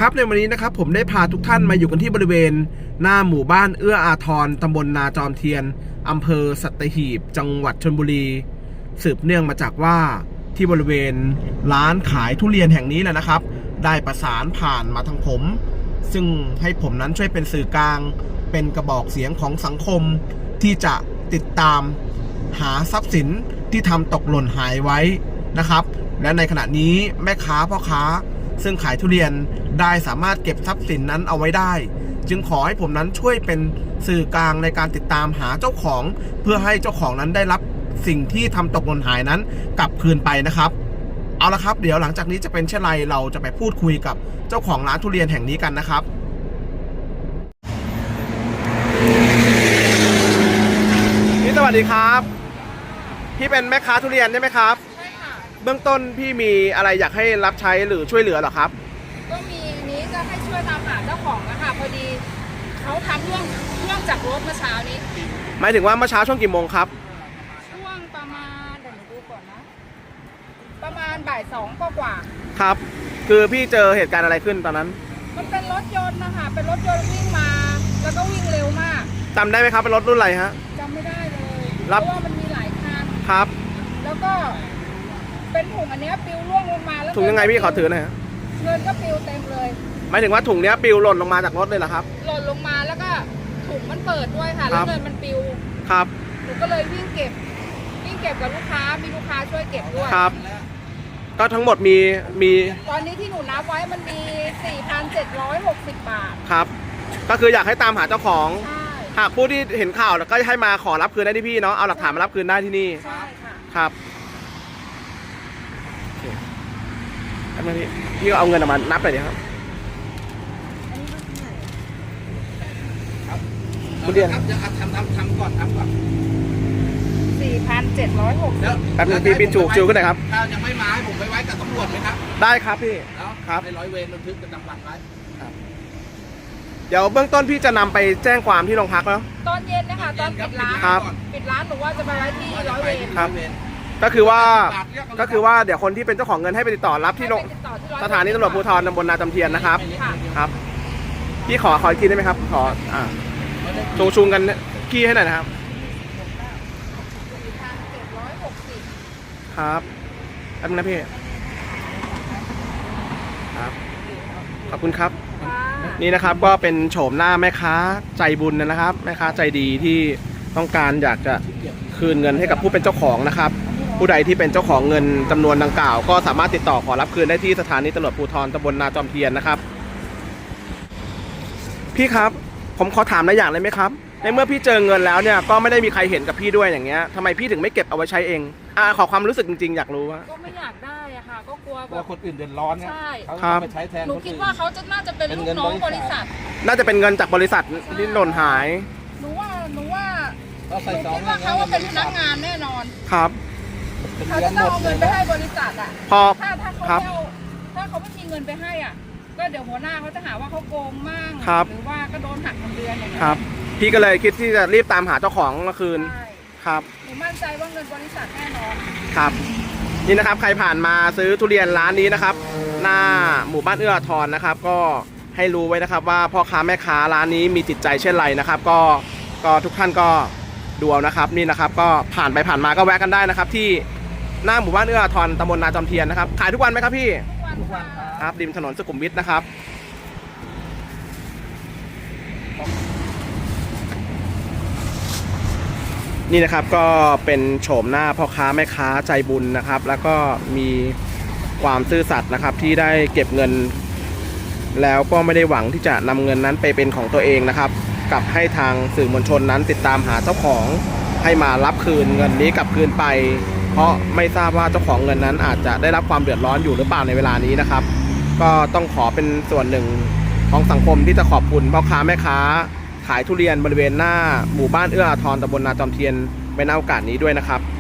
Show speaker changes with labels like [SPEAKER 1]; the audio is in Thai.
[SPEAKER 1] ครับในวันนี้นะครับผมได้พาทุกท่านมาอยู่กันที่บริเวณหน้าหมู่บ้านเอื้ออาทรตำบลนาจอมเทียนอำเภอสัตหีบจังหวัดชลบุรีสืบเนื่องมาจากว่าที่บริเวณร้านขายทุเรียนแห่งนี้แหละนะครับได้ประสานผ่านมาทางผมซึ่งให้ผมนั้นช่วยเป็นสื่อกลางเป็นกระบอกเสียงของสังคมที่จะติดตามหาทรัพย์สินที่ทำตกหล่นหายไว้นะครับและในขณะนี้แม่ค้าพ่อค้าซึ่งขายทุเรียนได้สามารถเก็บทรัพย์สินนั้นเอาไว้ได้จึงขอให้ผมนั้นช่วยเป็นสื่อกลางในการติดตามหาเจ้าของเพื่อให้เจ้าของนั้นได้รับสิ่งที่ทำตกหล่นหายนั้นกลับคืนไปนะครับเอาละครับเดี๋ยวหลังจากนี้จะเป็นเช่นไรเราจะไปพูดคุยกับเจ้าของร้านทุเรียนแห่งนี้กันนะครับพี่สวัสดีครับพี่เป็นแม่ค้าทุเรียนใช่ไหมครับ
[SPEAKER 2] ใช่ค่ะ
[SPEAKER 1] เบื้องต้นพี่มีอะไรอยากให้รับใช้หรือช่วยเหลือหรอครับ
[SPEAKER 2] ก็มีนี้จะให้ช่วยตามหาเจ้าของนะคะพอดีเขาทำเรื่องจากรถเมื่อเช้านี้
[SPEAKER 1] หมายถึงว่าเมื่อเช้าช่วงกี่โมงครับ
[SPEAKER 2] ช่วงประมาณเดี๋ยวหนูดูก่อนนะประมาณบ่ายสองกว่า
[SPEAKER 1] ครับคือพี่เจอเหตุการณ์อะไรขึ้นตอนนั้น
[SPEAKER 2] มันเป็นรถยนต์นะคะเป็นรถยนต์วิ่งมาแล้วก็วิ่งเร็วมาก
[SPEAKER 1] จำได้ไหมครับเป็นรถรุ่นอะไรฮะ
[SPEAKER 2] จำไม่ได้เลยเพราะว่ามันมีหลายคัน
[SPEAKER 1] ครับ
[SPEAKER 2] แล้วก็เป็นถุงอันนี้ปลิวร่วงลงมาแล้ว
[SPEAKER 1] ถุงยังไงพี่ขอถือหน่อยฮะ
[SPEAKER 2] เงินก็ปลิวเต็มเลย
[SPEAKER 1] หมายถึงว่าถุงเนี้ยปลิวหล่นลงมาจากรถเลยเหรอครับ
[SPEAKER 2] หล่นลงมาแล้วก็ถุงมันเปิดด้วยค่ะแล้วเงินมันปลิว
[SPEAKER 1] ครับ
[SPEAKER 2] หนูก็เลยวิ่งเก็บกับลูกค้ามีลูกค้าช่วยเก็บด้วย
[SPEAKER 1] ครับก็ทั้งหมดมี
[SPEAKER 2] ตอนนี้ที่หนูนับไว้มันมี 4,760 บาท
[SPEAKER 1] ครับก็คืออยากให้ตามหาเจ้าของ
[SPEAKER 2] ใช่
[SPEAKER 1] หากผู้ที่เห็นข่าวแล้วก็ให้มาขอรับคืนได้ที่พี่เนาะเอาหลักฐานมารับคืนได้ที่นี่
[SPEAKER 2] ใช่ค่ะ
[SPEAKER 1] ครับทำไมพี่ก็เอาเงินออกมานับหน่อยดิครับคุณเรียน
[SPEAKER 3] ทำก่อน
[SPEAKER 2] 4,760
[SPEAKER 1] แป๊บนึงพี่จูขึ้นหน่อยครับ
[SPEAKER 3] ถ้ายังไม่มาให้ผมไปไว้กับตำรวจไหมครับ
[SPEAKER 1] ได้ครับพี่
[SPEAKER 3] ครับในร้อยเวรบันทึกประจำวันไว้
[SPEAKER 1] เดี๋ยวเบื้องต้นพี่จะนำไปแจ้งความที่โรงพักแล้ว
[SPEAKER 2] ตอนเย็นนะคะตอนปิดร้านหนูว่าจะไปไว้ที่ร้อยเวร
[SPEAKER 1] ครับก็คือว่าเดี๋ยวคนที่เป็นเจ้าของเงินให้ไปติดต่อรับที่สถานีตำรวจภูธรตำบลนาจอมเทียนนะครับครับพี่ขออีกทีได้ไหมครับขอชูงกันขี้ให้หน่อยนะครับครับแป๊บนึงนะพี่ครับขอบคุณครับนี่นะครับก็เป็นโฉมหน้าแม่ค้าใจบุญนะครับแม่ค้าใจดีที่ต้องการอยากจะคืนเงินให้กับผู้เป็นเจ้าของนะครับผู้ใดที่เป็นเจ้าของเงินจำนวนดังกล่าวก็สามารถติดต่อขอรับคืนได้ที่สถานีตำรวจภูธรตำบลนาจอมเทียนนะครับพี่ครับผมขอถามอะไรอย่างเลยไหมครับในเมื่อพี่เจอเงินแล้วเนี่ยก็ไม่ได้มีใครเห็นกับพี่ด้วยอย่างเงี้ยทำไมพี่ถึงไม่เก็บเอาไว้ใช้เองขอความรู้สึกจริงๆอยากรู้ว่า
[SPEAKER 2] ก็ไม่อยากได้อะค่ะก็กลัว
[SPEAKER 3] คนอื่นเดือดร้อน
[SPEAKER 2] ใช่
[SPEAKER 1] ครับ
[SPEAKER 3] ไปใช้แทน
[SPEAKER 2] หนูคิดว่าเขาน่าจะเป็นลูกน้องบริษัท
[SPEAKER 1] น่าจะเป็นเงินจากบริษัทที่หล่นหาย
[SPEAKER 2] หนูว่าหนูคิดว่าเขาเป็นพนักงานแน่นอน
[SPEAKER 1] ครับ
[SPEAKER 2] เขาจะต้องเอาเงินไปให้บริษัทอ่ะถ้าเขาไม่มีเงินไปให้อ่ะก็เดี๋ยวหัวหน้าเขาจะหาว่าเขาโกงมั่งหรือว่าก็โดนหักเงินเดือนอย่างเงี้ย
[SPEAKER 1] ครับพี่ก็เลยคิดที่จะรีบตามหาเจ้าของมาคืนครับ
[SPEAKER 2] หนูมั่นใจว่าเงินบริษัทแน่นอน
[SPEAKER 1] ครับนี่นะครับใครผ่านมาซื้อทุเรียนร้านนี้นะครับหน้าหมู่บ้านเอื้ออาทรนะครับก็ให้รู้ไว้นะครับว่าพ่อค้าแม่ค้าร้านนี้มีจิตใจเช่นไรนะครับก็ทุกท่านก็ดูเอานะครับนี่นะครับก็ผ่านไปผ่านมาก็แวะกันได้นะครับที่หน้าหมู่บ้านเอื้ออาทรตำบลนาจอมเทียนนะครับขายทุกวันไหมครับพี่
[SPEAKER 2] ทุกวัน
[SPEAKER 1] ครับริมถนนสุขุมวิทนะครับนี่นะครับก็เป็นโฉมหน้าพ่อค้าแม่ค้าใจบุญนะครับแล้วก็มีความซื่อสัตย์นะครับที่ได้เก็บเงินแล้วก็ไม่ได้หวังที่จะนำเงินนั้นไปเป็นของตัวเองนะครับกับให้ทางสื่อมวลชนนั้นติดตามหาเจ้าของให้มารับคืนเงินนี้กลับคืนไปเพราะไม่ทราบว่าเจ้าของเงินนั้นอาจจะได้รับความเดือดร้อนอยู่หรือเปล่าในเวลานี้นะครับก็ต้องขอเป็นส่วนหนึ่งของสังคมที่จะขอบคุณพ่อค้าแม่ค้าขายทุเรียนบริเวณหน้าหมู่บ้านเอื้ออาทรตำบลนาจอมเทียนในโอกาสนี้ด้วยนะครับ